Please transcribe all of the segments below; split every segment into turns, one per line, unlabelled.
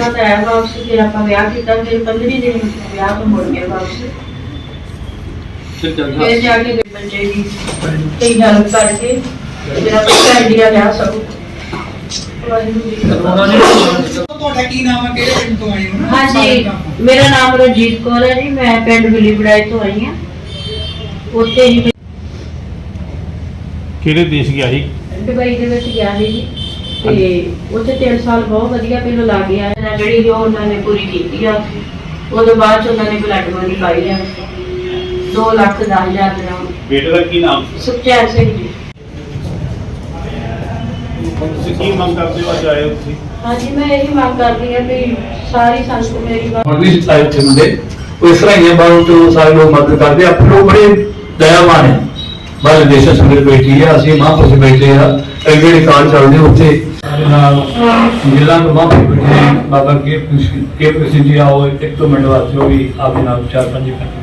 बाद आया वापस, फिर आप विआह किया, फिर 15 दिन विआह तो मुड़ गए वापस। फिर जाके बच्चे की कई हेल्प करके मेरा बच्चा इंडिया गया सब। हाँ जी, मेरा नाम रंजीत कौर है जी, मैं पिंड बिली बड़ाई तो आई हाँ। उत्थे ही
ਕਿਹੜੇ ਦੇਸ਼ ਗਿਆ ਸੀ?
दुबई ਦੇ ਵਿੱਚ ਗਿਆ ਸੀ ਜੀ, ਤੇ ਉੱਥੇ 3 ਸਾਲ ਬਹੁਤ ਵਧੀਆ ਪਹਿਲਾਂ ਲਾ ਗਿਆ ਹੈ ਜਿਹੜੀ ਉਹ ਉਹਨਾਂ ਨੇ ਪੂਰੀ ਕੀਤੀ ਆ। ਉਹਦੇ ਬਾਅਦ ਚ ਉਹਨਾਂ ਨੇ ਬਲੱਡ ਮਨੀ ਪਾਈ ਆ 2,10,000 ਗ੍ਰਾਮ।
ਬੇਟੇ ਦਾ ਕੀ ਨਾਮ?
ਸੁਖਚੈਨ ਸਿੰਘ ਜੀ।
ਤੁਸੀਂ ਕੀ ਮੰਗ ਕਰਦੇ ਹੋ ਅੱਜ ਆਏ ਹੋ ਤੁਸੀਂ?
ਹਾਂਜੀ, ਮੈਂ ਇਹੀ ਮੰਗ ਕਰਦੀ ਹਾਂ ਵੀ ਸਾਰੀ ਸੰਗਤ ਮੇਰੀ
मंडली से आए थे मुंडे, तो इस तरह ही है बाबू तो सारे लोग मदद करते हैं। लोग बड़े दयावान है, बाहर देश संगत बैठी है, असं महापुरुष बैठे हैं, एडे कार्ड चलते उत्थे जिला तो महापुरुष बैठे हैं। बाबा के कृष्ण जी आओ, एक तो मिनट वास्ते वो भी आपके नाम 4-5 मिनट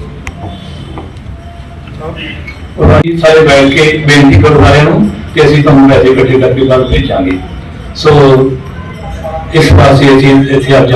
और सारे बैठ के बेनती करो सारे कि असं तुम पैसे इकट्ठे करके कल भेजांगे। सो इस पास इतने आप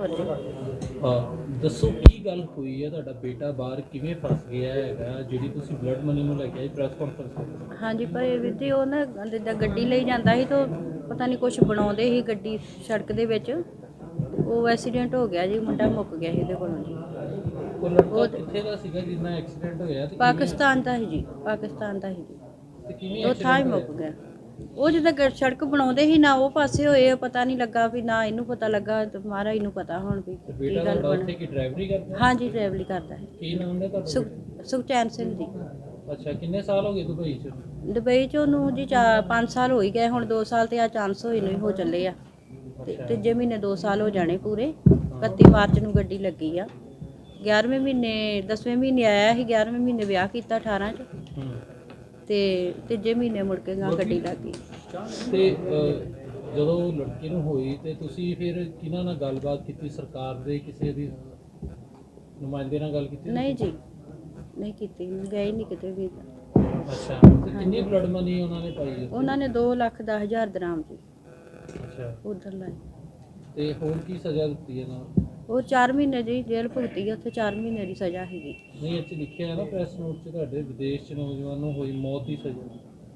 ਦੱਸੋ ਕੀ ਗੱਲ ਹੋਈ ਹੈ? ਤੁਹਾਡਾ ਬੇਟਾ ਬਾਹਰ ਕਿਵੇਂ ਫਸ ਗਿਆ ਹੈਗਾ ਜਿਹੜੀ ਤੁਸੀਂ ਬਲੱਡ ਮਨੀ ਨੂੰ ਲੈ ਕੇ ਆਏ ਪ੍ਰੈਸ ਕਾਨਫਰੰਸ?
ਹਾਂਜੀ, ਪਰ ਵੀਰ ਜੀ ਉਹ ਨਾ ਜਿੱਦਾਂ ਗੱਡੀ ਲਈ ਜਾਂਦਾ ਸੀ ਤਾਂ ਪਤਾ ਨਹੀਂ ਕੁਝ ਬਣਾਉਂਦੇ ਸੀ ਗੱਡੀ ਸੜਕ ਦੇ ਵਿੱਚ, ਉਹ ਐਕਸੀਡੈਂਟ ਹੋ ਗਿਆ ਜੀ, ਮੁੰਡਾ ਮੁੱਕ ਗਿਆ ਸੀ ਉਹਦੇ ਕੋਲੋਂ ਜੀ।
ਉਹ ਲੜਕਾ ਕਿੱਥੇ ਦਾ ਸੀਗਾ ਜਿੰਨਾ ਐਕਸੀਡੈਂਟ ਹੋਇਆ? ਤੇ
ਪਾਕਿਸਤਾਨ ਦਾ ਸੀ ਜੀ, ਪਾਕਿਸਤਾਨ ਦਾ ਸੀ ਜੀ,
ਤੇ ਕਿਵੇਂ
ਉਹ ਥਾਂ ਹੀ ਮੁੱਕ ਗਿਆ। ਉਹ ਜਿੱਦਾਂ ਸੜਕ ਬਣਾਉਂਦੇ ਸੀ ਨਾ ਉਹ ਪਾਸੇ ਹੋਏ, ਪਤਾ ਨਹੀਂ ਲੱਗਾ ਵੀ ਨਾ ਇਹਨੂੰ ਪਤਾ ਲੱਗਾ ਤੇ ਮਹਾਰਾਜ ਨੂੰ ਪਤਾ ਹੁਣ ਵੀ ਕੀ ਗੱਲ ਬਣੀ।
ਕੀ ਡਰਾਈਵਰੀ ਕਰਦਾ?
ਹਾਂਜੀ, ਡਰਾਈਵਰੀ ਕਰਦਾ ਹੈ।
ਕੀ ਨਾਮ ਹੈ ਤੁਹਾਡਾ?
ਸੁਖਚੈਨ ਸਿੰਘ ਜੀ।
ਅੱਛਾ, ਕਿੰਨੇ ਸਾਲ ਹੋ ਗਏ ਦੁਬਈ 'ਚ?
ਦੁਬਈ 'ਚ ਉਹਨੂੰ ਜੀ 5 ਸਾਲ ਹੋ ਹੀ ਗਏ, ਹੁਣ 2 ਸਾਲ ਤੇ ਆ ਚਾਂਸ ਹੋਏ ਨੂੰ ਹੋ ਚੱਲੇ ਆ, ਤੇ ਤੀਜੇ ਮਹੀਨੇ 2 ਸਾਲ ਹੋ ਜਾਣੇ ਪੂਰੇ। 31 ਮਾਰਚ ਨੂੰ ਗੱਡੀ ਲੱਗੀ ਆ, 11ਵੇਂ ਮਹੀਨੇ 10ਵੇਂ ਮਹੀਨੇ ਆਇਆ ਸੀ, 11ਵੇਂ ਮਹੀਨੇ ਵਿਆਹ ਕੀਤਾ 18 'ਚ, ਤੇ ਤੀਜੇ ਮਹੀਨੇ ਮੁੜ ਕੇ ਗੱਡੀ ਲੱਗ ਗਈ।
ਤੇ ਜਦੋਂ ਲੜਕੀ ਨੂੰ ਹੋਈ ਤੇ ਤੁਸੀਂ ਫਿਰ ਕਿਹਨਾਂ ਨਾਲ ਗੱਲਬਾਤ ਕੀਤੀ? ਸਰਕਾਰ ਦੇ ਕਿਸੇ ਦੀ ਨੁਮਾਇੰਦੇ ਨਾਲ ਗੱਲ ਕੀਤੀ?
ਨਹੀਂ ਜੀ, ਨਹੀਂ ਕੀਤੀ, ਗਏ ਨਹੀਂ ਕਿਤੇ ਵੀ।
ਅੱਛਾ, ਤੇ ਕਿੰਨੀ ਬਲੱਡ ਮਨੀ ਉਹਨਾਂ ਨੇ ਪਾਈ ਹੈ?
ਉਹਨਾਂ ਨੇ 2,10,000 ਦਰਾਮ ਜੀ
ਅੱਛਾ,
ਉਧਰ ਲਾਏ।
ਤੇ ਹੋਰ ਕੀ ਸਜ਼ਾ ਦਿੱਤੀ ਹੈ ਨਾਲ?
ਉਹ 4 ਮਹੀਨੇ ਦੀ ਜੇਲ੍ਹ ਭੁਗਤੀ, ਉੱਥੇ 4 ਮਹੀਨੇ ਦੀ ਸਜ਼ਾ ਹੈਗੀ।
ਨਹੀਂ, ਇੱਥੇ ਲਿਖਿਆ ਹੈ ਨਾ ਪ੍ਰੈਸ ਨੋਟ 'ਚ ਤੁਹਾਡੇ ਵਿਦੇਸ਼ 'ਚ ਨੌਜਵਾਨ ਨੂੰ ਹੋਈ ਮੌਤ ਦੀ ਸਜ਼ਾ।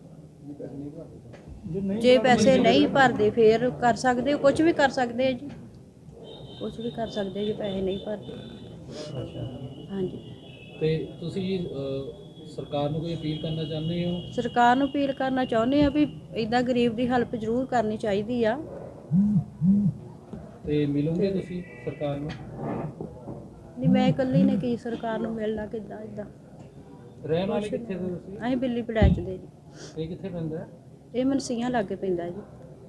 ਜੇ ਪੈਸੇ ਨਹੀਂ ਭਰਦੇ ਫੇਰ ਕਰ ਸਕਦੇ, ਕੁਝ ਵੀ ਕਰ ਸਕਦੇ ਆ ਜੀ, ਕੁਝ ਵੀ ਕਰ ਸਕਦੇ ਜੇ ਪੈਸੇ ਨਹੀਂ ਭਰਦੇ।
ਅੱਛਾ,
ਹਾਂਜੀ,
ਤੇ ਤੁਸੀਂ ਸਰਕਾਰ ਨੂੰ ਕੋਈ ਅਪੀਲ ਕਰਨਾ ਚਾਹੁੰਦੇ ਹੋ?
ਸਰਕਾਰ ਨੂੰ ਅਪੀਲ ਕਰਨਾ ਚਾਹੁੰਦੇ ਆ ਵੀ ਇਦਾਂ ਗਰੀਬ ਦੀ ਹੈਲਪ ਜ਼ਰੂਰ ਕਰਨੀ ਚਾਹੀਦੀ ਆ।
ਤੇ ਮਿਲੋਗੇ ਤੁਸੀਂ ਸਰਕਾਰ ਨੂੰ?
ਨਹੀਂ, ਮੈਂ ਇਕੱਲੀ ਨੇ ਕੀ ਸਰਕਾਰ ਨੂੰ ਮਿਲਣਾ, ਕਿੱਦਾਂ ਇਦਾਂ।
ਰਹਿਣ ਵਾਲੇ ਕਿੱਥੇ ਦੇ ਤੁਸੀਂ?
ਅਸੀਂ ਬਿੱਲੀ ਪੜਾਚ ਦੇ ਜੀ।
ਇਹ ਕਿੱਥੇ ਪੈਂਦਾ ਹੈ?
ਇਹ ਮਨਸੀਆਂ ਲਾਗੇ ਪੈਂਦਾ ਜੀ।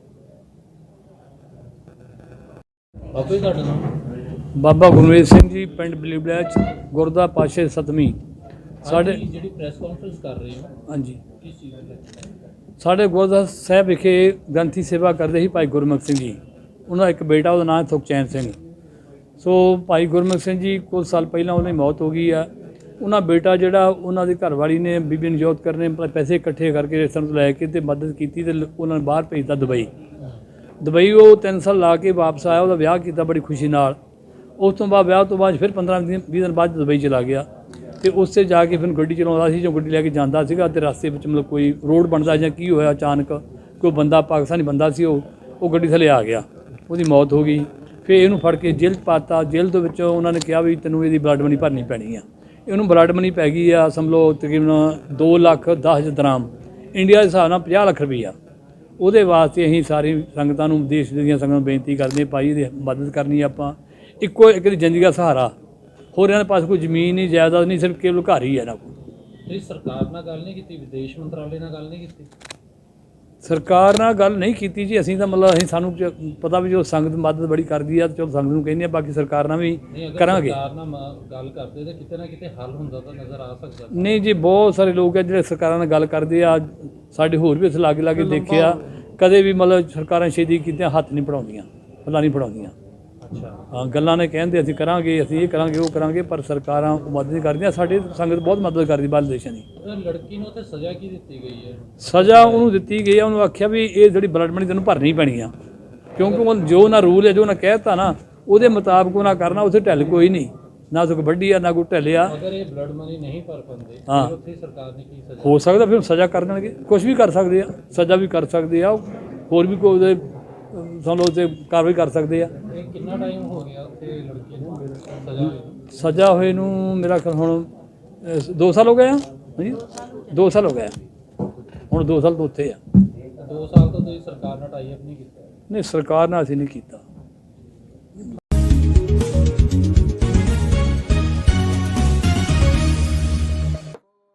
ਬਾਬਾ ਜੀ ਤੁਹਾਡਾ ਨਾਮ?
ਬਾਬਾ ਗੁਰਮੇਲ ਸਿੰਘ ਜੀ, ਪਿੰਡ ਬਲੀਬੜੈਚ, ਗੁਰਦਾ ਪਾਸ਼ੇ 7ਵੀਂ। ਸਾਡੇ
ਜਿਹੜੀ ਪ੍ਰੈਸ ਕਾਨਫਰੰਸ ਕਰ ਰਹੇ ਹੋ,
ਹਾਂਜੀ,
ਕਿਸ ਚੀਜ਼ ਦੇ?
ਸਾਡੇ ਗੁਰਦਾ ਸਾਹਿਬ ਵਿਖੇ ਗ੍ਰੰਥੀ ਸੇਵਾ ਕਰਦੇ ਸੀ ਭਾਈ ਗੁਰਮੁਖ ਸਿੰਘ ਜੀ। ਉਹਨਾਂ ਦਾ ਇੱਕ ਬੇਟਾ, ਉਹਦਾ ਨਾਮ ਸੁਖਚੈਨ ਸਿੰਘ। ਸੋ ਭਾਈ ਗੁਰਮੁਖ ਸਿੰਘ ਜੀ ਕੁਝ ਸਾਲ ਪਹਿਲਾਂ ਉਹਨਾਂ ਦੀ ਮੌਤ ਹੋ ਗਈ ਆ। ਉਹਨਾਂ ਬੇਟਾ ਜਿਹੜਾ ਉਹਨਾਂ ਦੀ ਘਰਵਾਲੀ ਨੇ ਬੀਬੀ ਨਜੋਤ ਕਰਨੇ ਪੈਸੇ ਇਕੱਠੇ ਕਰਕੇ ਰਿਸ਼ਤੇਦਾਰਾਂ ਤੋਂ ਲੈ ਕੇ ਤੇ ਮਦਦ ਕੀਤੀ ਤੇ ਉਹਨਾਂ ਨੂੰ ਬਾਹਰ ਭੇਜਤਾ ਦੁਬਈ। ਦੁਬਈ ਉਹ 3 ਸਾਲ ਲਾ ਕੇ ਵਾਪਸ ਆਇਆ, ਉਹਦਾ ਵਿਆਹ ਕੀਤਾ ਬੜੀ ਖੁਸ਼ੀ ਨਾਲ। ਉਸ ਤੋਂ ਬਾਅਦ ਵਿਆਹ ਤੋਂ ਬਾਅਦ ਫਿਰ 15-20 ਦਿਨ ਬਾਅਦ ਦੁਬਈ ਚਲਾ ਗਿਆ, ਤੇ ਉੱਥੇ ਜਾ ਕੇ ਫਿਰ ਗੱਡੀ ਚਲਾਉਂਦਾ ਸੀ। ਜੋ ਗੱਡੀ ਲੈ ਕੇ ਜਾਂਦਾ ਸੀਗਾ ਤੇ ਰਸਤੇ ਵਿੱਚ ਮਤਲਬ ਕੋਈ ਰੋਡ ਬਣਦਾ ਜਾਂ ਕੀ ਹੋਇਆ, ਅਚਾਨਕ ਕੋਈ ਬੰਦਾ, ਪਾਕਿਸਤਾਨੀ ਬੰਦਾ ਸੀ, ਉਹ ਗੱਡੀ ਥੱਲੇ ਆ ਗਿਆ, ਉਹਦੀ ਮੌਤ ਹੋ ਗਈ। ਫਿਰ ਇਹਨੂੰ ਫੜ ਕੇ ਜੇਲ੍ਹ 'ਚ ਪਾਤਾ। ਜੇਲ੍ਹ ਦੇ ਵਿੱਚੋਂ ਉਹਨਾਂ ਨੇ ਕਿਹਾ ਵੀ ਤੈਨੂੰ ਇਹਦੀ ਬਲੱਡ ਮਨੀ ਭਰਨੀ ਪੈਣੀ ਆ। ਇਹਨੂੰ ਬਲੱਡ ਮਨੀ ਪੈ ਗਈ ਆ ਸਮਝੋ ਤਕਰੀਬਨ 2,10,000 ਦਰਾਮ, ਇੰਡੀਆ ਦੇ ਹਿਸਾਬ ਨਾਲ 50 ਲੱਖ ਰੁਪਈਆ। ਉਹਦੇ ਵਾਸਤੇ ਅਸੀਂ ਸਾਰੀ ਸੰਗਤਾਂ ਨੂੰ, ਦੇਸ਼ ਦੀਆਂ ਸੰਗਤਾਂ ਨੂੰ ਬੇਨਤੀ ਕਰਦੇ ਭਾਈ ਇਹਦੀ ਮਦਦ ਕਰਨੀ। ਆਪਾਂ ਇੱਕੋ ਇੱਕ ਦੀ ਜ਼ਿੰਦਗੀ ਦਾ ਸਹਾਰਾ, ਹੋਰ ਇਹਨਾਂ ਦੇ ਪਾਸ ਕੋਈ ਜ਼ਮੀਨ ਨਹੀਂ, ਜਾਇਦਾਦ ਨਹੀਂ, ਸਿਰਫ ਕੇਵਲ ਘਰ ਹੀ ਹੈ ਨਾ।
ਤੁਸੀਂ ਸਰਕਾਰ ਨਾਲ ਗੱਲ ਨਹੀਂ ਕੀਤੀ? ਵਿਦੇਸ਼ ਮੰਤਰਾਲੇ ਨਾਲ ਗੱਲ ਨਹੀਂ ਕੀਤੀ?
ਸਰਕਾਰ ਨਾਲ ਗੱਲ ਨਹੀਂ ਕੀਤੀ ਜੀ ਅਸੀਂ ਤਾਂ, ਮਤਲਬ ਅਸੀਂ ਸਾਨੂੰ ਪਤਾ ਵੀ ਜੋ ਸੰਗਤ ਮਦਦ ਬੜੀ ਕਰਦੀ ਆ, ਚਲੋ ਸੰਗਤ ਨੂੰ ਕਹਿੰਦੇ ਆ, ਬਾਕੀ ਸਰਕਾਰ ਨਾਲ ਵੀ ਕਰਾਂਗੇ।
ਸਰਕਾਰ ਨਾਲ ਗੱਲ ਕਰਦੇ ਤਾਂ ਕਿਤੇ ਨਾ ਕਿਤੇ ਹੱਲ ਹੁੰਦਾ ਤਾਂ ਨਜ਼ਰ ਆ ਸਕਦਾ।
ਨਹੀਂ ਜੀ, ਬਹੁਤ ਸਾਰੇ ਲੋਕ ਆ ਜਿਹੜੇ ਸਰਕਾਰਾਂ ਨਾਲ ਗੱਲ ਕਰਦੇ ਆ। ਸਾਡੇ ਹੋਰ ਵੀ ਇਸ ਲਾਗੇ ਲਾਗੇ ਦੇਖਿਆ, ਕਦੇ ਵੀ ਮਤਲਬ ਸਰਕਾਰਾਂ ਛੇਤੀ ਕੀਤੀਆਂ ਹੱਥ ਨਹੀਂ ਪੜਾਉਂਦੀਆਂ, ਪੱਲਾ ਨਹੀਂ ਪੜਾਉਂਦੀਆਂ।
ਅੱਛਾ,
ਹਾਂ, ਗੱਲਾਂ ਨੇ ਕਹਿੰਦੇ ਅਸੀਂ ਕਰਾਂਗੇ, ਅਸੀਂ ਇਹ ਕਰਾਂਗੇ, ਉਹ ਕਰਾਂਗੇ, ਪਰ ਸਰਕਾਰਾਂ ਮਦਦ ਨਹੀਂ ਕਰਦੀਆਂ। ਸਾਡੀ ਸੰਗਤ ਬਹੁਤ ਮਦਦ ਕਰਦੀ ਬਾਹਰ ਦੇਸ਼ਾਂ ਦੀ।
ਲੜਕੀ ਨੂੰ ਤੇ ਸਜ਼ਾ ਕੀ ਦਿੱਤੀ ਗਈ ਹੈ?
ਸਜ਼ਾ ਉਹਨੂੰ ਦਿੱਤੀ ਗਈ ਆ, ਉਹਨੂੰ ਆਖਿਆ ਵੀ ਇਹ ਜਿਹੜੀ ਬਲੱਡ ਮਨੀ ਤੈਨੂੰ ਭਰਨੀ ਪੈਣੀ ਆ, ਕਿਉਂਕਿ ਉਹ ਜੋ ਨਾ ਰੂਲ ਹੈ, ਜੋ ਨਾ ਕਹਿਤਾ ਨਾ ਉਹਦੇ ਮੁਤਾਬਕ ਉਹਨਾਂ ਕਰਨਾ, ਉੱਥੇ ਢਿੱਲ ਕੋਈ ਨਹੀਂ, ਨਾ ਕੋਈ ਵੱਡੀ ਆ ਨਾ ਕੋਈ ਢਿੱਲਿਆ।
ਅਗਰ ਇਹ ਬਲੱਡ ਮਨੀ ਨਹੀਂ ਭਰ ਪਾਉਂਦੇ
ਹਾਂ।
ਫਿਰ ਉੱਥੇ ਸਰਕਾਰ ਨੇ ਕੀ ਸਜ਼ਾ?
ਹੋ ਸਕਦਾ ਫਿਰ ਸਜ਼ਾ ਕਰ ਦੇਣਗੇ, ਕੁਝ ਵੀ ਕਰ ਸਕਦੇ ਆ, ਸਜ਼ਾ ਵੀ ਕਰ ਸਕਦੇ ਆ, ਹੋਰ ਵੀ ਕੋਈ ਉਹਦੇ ਸਾਨੂੰ ਉੱਤੇ ਕਾਰਵਾਈ ਕਰ ਸਕਦੇ ਆ।
ਇਹ ਕਿੰਨਾ ਟਾਈਮ ਹੋ ਗਿਆ ਉੱਥੇ ਲੜਕੀ ਨੂੰ ਸਜ਼ਾ ਹੋਈ ਨੂੰ?
ਸਜ਼ਾ ਹੋਏ ਨੂੰ ਮੇਰਾ ਖਿਆਲ ਹੁਣ 2 ਸਾਲ ਹੋ ਗਏ ਆ। ਹਾਂਜੀ 2 ਸਾਲ ਹੋ ਗਏ ਆ, ਹੁਣ 2 ਸਾਲ ਤੋਂ ਉੱਥੇ ਆ।
2 ਸਾਲ ਤੋਂ ਤੁਸੀਂ ਸਰਕਾਰ ਨਾਲ ਟਾਈ ਅਪ ਨਹੀਂ ਕੀਤਾ?
ਨਹੀਂ ਸਰਕਾਰ ਨਾਲ ਅਸੀਂ ਨਹੀਂ ਕੀਤਾ।